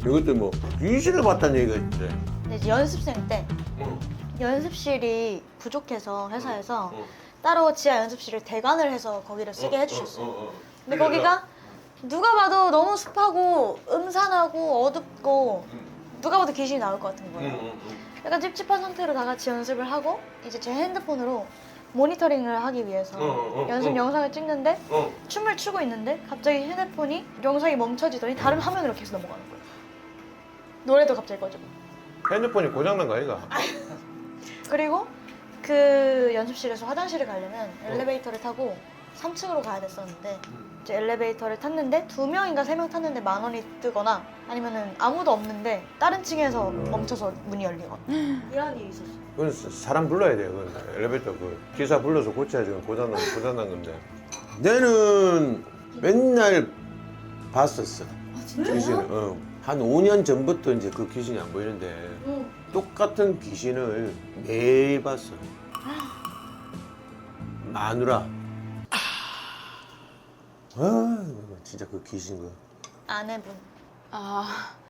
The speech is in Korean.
이것도 뭐 귀신을 봤다는 얘기가 있대. 근데 이제 연습생 때 응. 연습실이 부족해서 회사에서 응. 따로 지하 연습실을 대관을 해서 거기를 쓰게 해주셨어요. 근데 그래서- 거기가 누가 봐도 너무 습하고 음산하고 어둡고 누가 봐도 귀신이 나올 것 같은 거예요. 약간 찝찝한 상태로 다 같이 연습을 하고 이제 제 핸드폰으로 모니터링을 하기 위해서 연습 영상을 찍는데 춤을 추고 있는데 갑자기 휴대폰이 영상이 멈춰지더니 다른 화면으로 계속 넘어가는 거예요. 노래도 갑자기 꺼지고. 핸드폰이 고장난 거 아이가? 그리고 그 연습실에서 화장실을 가려면 엘리베이터를 타고 3층으로 가야 됐었는데 이제 엘리베이터를 탔는데 2명인가 3명 탔는데 10,000원이 뜨거나 아니면은 아무도 없는데 다른 층에서 멈춰서 문이 열리거나 이런 일이 있었어요. 그건 사람 불러야 돼. 그건 엘리베이터 그 기사 불러서 고쳐야지. 그건 고장난 건데. 내는 맨날 봤었어. 귀신을. 한 5년 전부터 이제 그 귀신이 안 보이는데 똑같은 귀신을 매일 봤어. 마누라. 아, 진짜 그 귀신 그. 아내분. 아